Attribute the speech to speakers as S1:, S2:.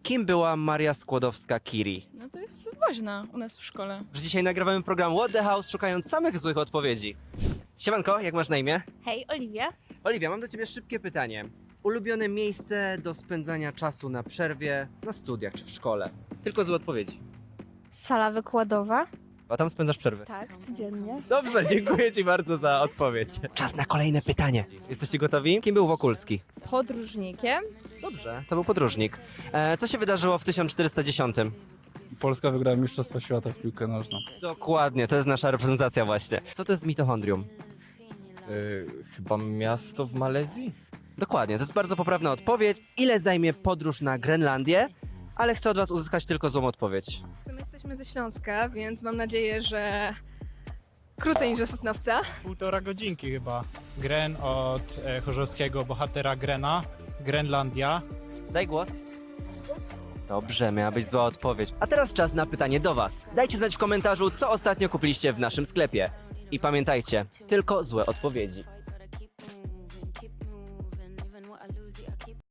S1: Kim była Maria Skłodowska-Curie?
S2: No to jest woźna u nas w szkole.
S1: Że dzisiaj nagrywamy program What the House, szukając samych złych odpowiedzi. Siemanko, jak masz na imię?
S3: Hej, Oliwia.
S1: Oliwia, mam do ciebie szybkie pytanie. Ulubione miejsce do spędzania czasu na przerwie, na studiach czy w szkole? Tylko złe odpowiedzi.
S3: Sala wykładowa.
S1: A tam spędzasz przerwy.
S3: Tak, codziennie.
S1: Dobrze, dziękuję ci bardzo za odpowiedź. Czas na kolejne pytanie. Jesteście gotowi? Kim był Wokulski?
S3: Podróżnikiem.
S1: Dobrze, to był podróżnik. Co się wydarzyło w 1410?
S4: Polska wygrała Mistrzostwo Świata w piłkę nożną.
S1: Dokładnie, to jest nasza reprezentacja właśnie. Co to jest mitochondrium?
S5: Chyba miasto w Malezji?
S1: Dokładnie, to jest bardzo poprawna odpowiedź. Ile zajmie podróż na Grenlandię? Ale chcę od was uzyskać tylko złą odpowiedź.
S6: My jesteśmy ze Śląska, więc mam nadzieję, że krócej niż do Sosnowca.
S7: 1,5 godzinki chyba. Gren od chorzowskiego bohatera Grena. Grenlandia.
S1: Daj głos. Dobrze, miała być zła odpowiedź. A teraz czas na pytanie do was. Dajcie znać w komentarzu, co ostatnio kupiliście w naszym sklepie. I pamiętajcie, tylko złe odpowiedzi.